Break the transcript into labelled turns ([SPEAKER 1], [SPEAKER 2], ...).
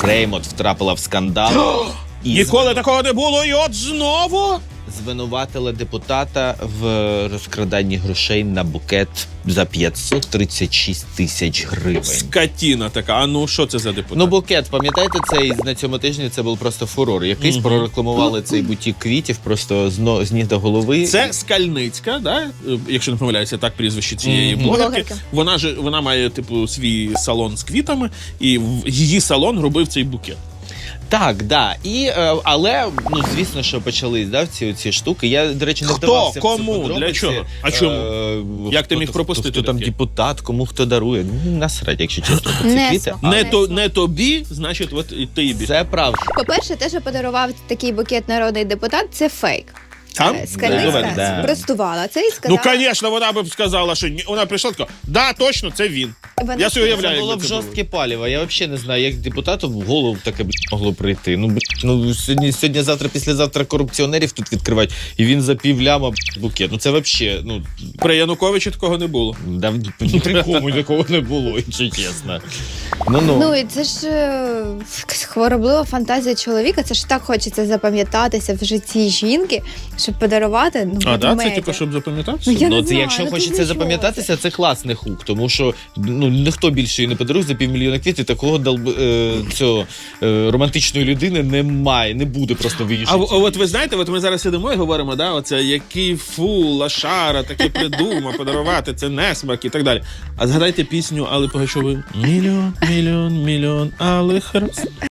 [SPEAKER 1] Реймонд втрапила в скандал.
[SPEAKER 2] Ніколи такого не було, і от знову?
[SPEAKER 1] Звинуватила депутата в розкраданні грошей на букет за 536 тисяч гривень.
[SPEAKER 2] Скотіна така. А ну, що це за депутат?
[SPEAKER 1] Ну, букет, пам'ятаєте, цей на цьому тижні це був просто фурор. Якийсь прорекламували цей бутік квітів просто з ніг до голови.
[SPEAKER 2] Це Скальницька, да? Якщо не помиляюся, так прізвище цієї блогерки. Вона має, типу, свій салон з квітами, і її салон робив цей букет.
[SPEAKER 1] Так, да. Але, ну, звісно, що почались, да, ці штуки. Я, до речі, не вдавався в ці
[SPEAKER 2] Кому?
[SPEAKER 1] подробиці.
[SPEAKER 2] Для чого? А чому? Як ти міг пропустити
[SPEAKER 1] Хто там
[SPEAKER 2] таке?
[SPEAKER 1] депутат, кому хто дарує. Ну, насрать, якщо чесно, ці
[SPEAKER 3] Не
[SPEAKER 1] квіти.
[SPEAKER 2] Не тобі, значить, от і ти більше.
[SPEAKER 1] Це правда.
[SPEAKER 3] По-перше, те, що подарував такий букет народний депутат, це фейк.
[SPEAKER 2] Там?
[SPEAKER 3] Скальницька
[SPEAKER 1] Да.
[SPEAKER 3] спростувала це і
[SPEAKER 2] Ну,
[SPEAKER 3] сказала...
[SPEAKER 2] звісно, вона б сказала, що вона прийшла така, да, точно, це він.
[SPEAKER 3] Вона
[SPEAKER 2] Я собі уявляю,
[SPEAKER 1] Це було
[SPEAKER 2] як
[SPEAKER 1] б
[SPEAKER 2] це
[SPEAKER 1] жорстке паліво. Я взагалі не знаю, як депутату в голову таке могло прийти. Ну сьогодні-завтра, післязавтра корупціонерів тут відкривають, і він за півляма букет. Ну це взагалі, ну...
[SPEAKER 2] При Януковичі такого не було.
[SPEAKER 1] Да, ні при кому такого не було, якщо чесно.
[SPEAKER 3] Ну і це ж хвороблива фантазія чоловіка, це ж так хочеться запам'ятатися в житті жінки, щоб подарувати, ну,
[SPEAKER 2] А, да? Це
[SPEAKER 3] ведмедя.
[SPEAKER 2] типу, щоб запам'ятатися?
[SPEAKER 3] Я
[SPEAKER 1] Ну,
[SPEAKER 3] не
[SPEAKER 1] це
[SPEAKER 3] знаю,
[SPEAKER 1] якщо
[SPEAKER 3] ну,
[SPEAKER 1] хочеться
[SPEAKER 3] ти
[SPEAKER 1] запам'ятатися, це класний хук, тому що ну ніхто більше її не подарує за півмільйона квітів, такого цього романтичної людини немає, не буде просто в її
[SPEAKER 2] А
[SPEAKER 1] житті.
[SPEAKER 2] от ви знаєте, от ми зараз сидимо і говоримо, да, оце який лашара, таке придумав подарувати, це несмак і так далі. А згадайте пісню Алли Пугачової «Мільйон, мільйон, мільйон алих роз».